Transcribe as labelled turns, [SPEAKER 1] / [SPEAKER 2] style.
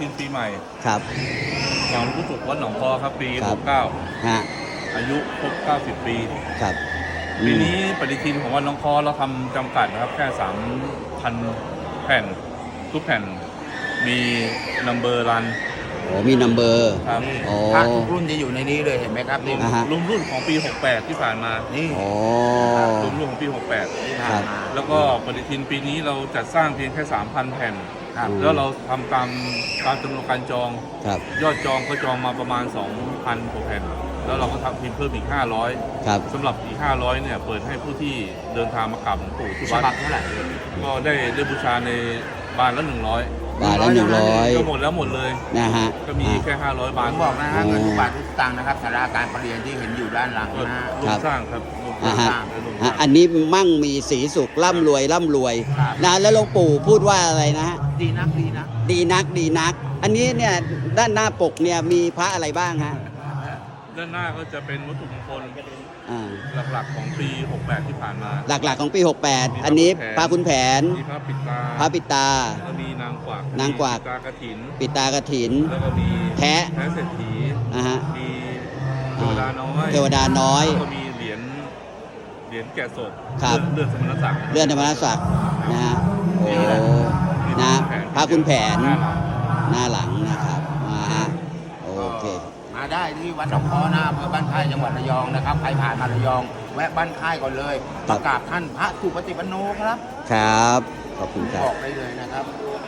[SPEAKER 1] นปีใหม่
[SPEAKER 2] ครับ
[SPEAKER 1] หลวงปู่ศุกร์วัดหนองคอครับปี
[SPEAKER 2] ครับ
[SPEAKER 1] 69
[SPEAKER 2] ฮะ
[SPEAKER 1] อายุครบ90 ปี
[SPEAKER 2] ครับ
[SPEAKER 1] ปีนี้ปฏิทินของวัดหนองคอเราทำจำกัดนะครับแค่ 3,000 แผ่นทุกแผ่นมีนัมเบอร์รัน
[SPEAKER 2] โอ้มีนัมเบอร์
[SPEAKER 1] ครับ
[SPEAKER 2] โอ้
[SPEAKER 3] พระทุกรุ่นจะอยู่ในนี้เลยเห็นไหมครับนี่
[SPEAKER 2] อ่าฮะ
[SPEAKER 1] รวมรุ่นของปี 68 ที่ผ่านมา
[SPEAKER 3] นี่
[SPEAKER 2] โอ้
[SPEAKER 1] รวมรุ่นของปี
[SPEAKER 3] ที่
[SPEAKER 2] ครั
[SPEAKER 3] ผ่าน
[SPEAKER 2] บ
[SPEAKER 3] มา
[SPEAKER 1] 68 แล้วก็ปฏิทินปีนี้เราจัดสร้างเพียงแค่ 3,000 แผ่น
[SPEAKER 3] ครับ
[SPEAKER 1] แล้วเราทำตามจำนวนการจอง
[SPEAKER 2] ครับ
[SPEAKER 1] ยอดจองเขาจองมาประมาณ 2,000 กว่าแผ่น แล้วเราก็ทำพิมพ์เพิ่มอีก 500
[SPEAKER 2] ครับ
[SPEAKER 1] สำหรับอีก 500 เนี่ย เปิดให้ผู้ที่เดินทางมากราบหลวงปู่ที่
[SPEAKER 3] ฉ
[SPEAKER 1] วัด
[SPEAKER 3] บับเท่าไหร่
[SPEAKER 1] ก็ได้บูชาในบานละ 100
[SPEAKER 2] บาทละ100
[SPEAKER 1] ก็หมดแล้วหมดเลย
[SPEAKER 2] นะฮะ
[SPEAKER 1] ก็มีแค่ 500 บา
[SPEAKER 3] ผ
[SPEAKER 1] ท
[SPEAKER 3] มบอกนะฮะเงินทุกบาททุกสตางค์นะครับศาลาการประเรียนที่เห็นอยู่ด้านหลัง
[SPEAKER 1] ก็
[SPEAKER 3] นะฮะ
[SPEAKER 1] ร่วมสร้างครับร่วม
[SPEAKER 2] อ่า
[SPEAKER 1] ส
[SPEAKER 2] ฮะ
[SPEAKER 1] ร้างร่วมส
[SPEAKER 2] ฮะ
[SPEAKER 1] ร้าง
[SPEAKER 2] อันนี้มั่งมีสีสุขร่ำรวยนะแล้วหลวงปู่พูดว่าอะไรนะฮะ
[SPEAKER 3] ดีนักดีนะ
[SPEAKER 2] ดีนักดีนัก อันนี้เนี่ยด้านหน้าปกเนี่ยมีพระอะไรบ้างฮะ
[SPEAKER 1] ด้านหน้าก็จะเป็นวัตถุมงคล
[SPEAKER 2] อ่า
[SPEAKER 1] หลักๆของปี 68 ที่ผ่านมา
[SPEAKER 2] หลักๆของปี 68 อันนี้พระคุณแผน
[SPEAKER 1] มีพระปิดตา
[SPEAKER 2] พระปิตา
[SPEAKER 1] แล้วก็มีนางกวัก
[SPEAKER 2] นางกวัก
[SPEAKER 1] มีตากระถิน
[SPEAKER 2] ปิตากฐิน
[SPEAKER 1] แล้วก็มี
[SPEAKER 2] แพะ
[SPEAKER 1] เศรษฐี
[SPEAKER 2] นะฮะ
[SPEAKER 1] มีเทวดาน้อย
[SPEAKER 2] เทวดาน้อย
[SPEAKER 1] แล้วก็มีเหรียญแกะศพ
[SPEAKER 2] ครับ
[SPEAKER 1] เลื่อนสมณศักดิ์
[SPEAKER 2] เลื่อนธรรมรศักดิ์นะฮะโอ้นะพระคุณแผน
[SPEAKER 1] หน้าหลัง
[SPEAKER 2] หน้าหลังนะครับฮะโอเค
[SPEAKER 3] มาได้ที่วัดหนองคอนะอำเภอบ้านค่ายจังหวัดระยองนะครับใครผ่านมาระยอง แวะบ้านค่ายก่อนเลย
[SPEAKER 2] ครั
[SPEAKER 3] มา
[SPEAKER 2] บ
[SPEAKER 3] กราบท่านพระสุปฏิปันโนครับ
[SPEAKER 2] ครับ ขอบคุณครับ
[SPEAKER 3] บอกได้เลยนะครับ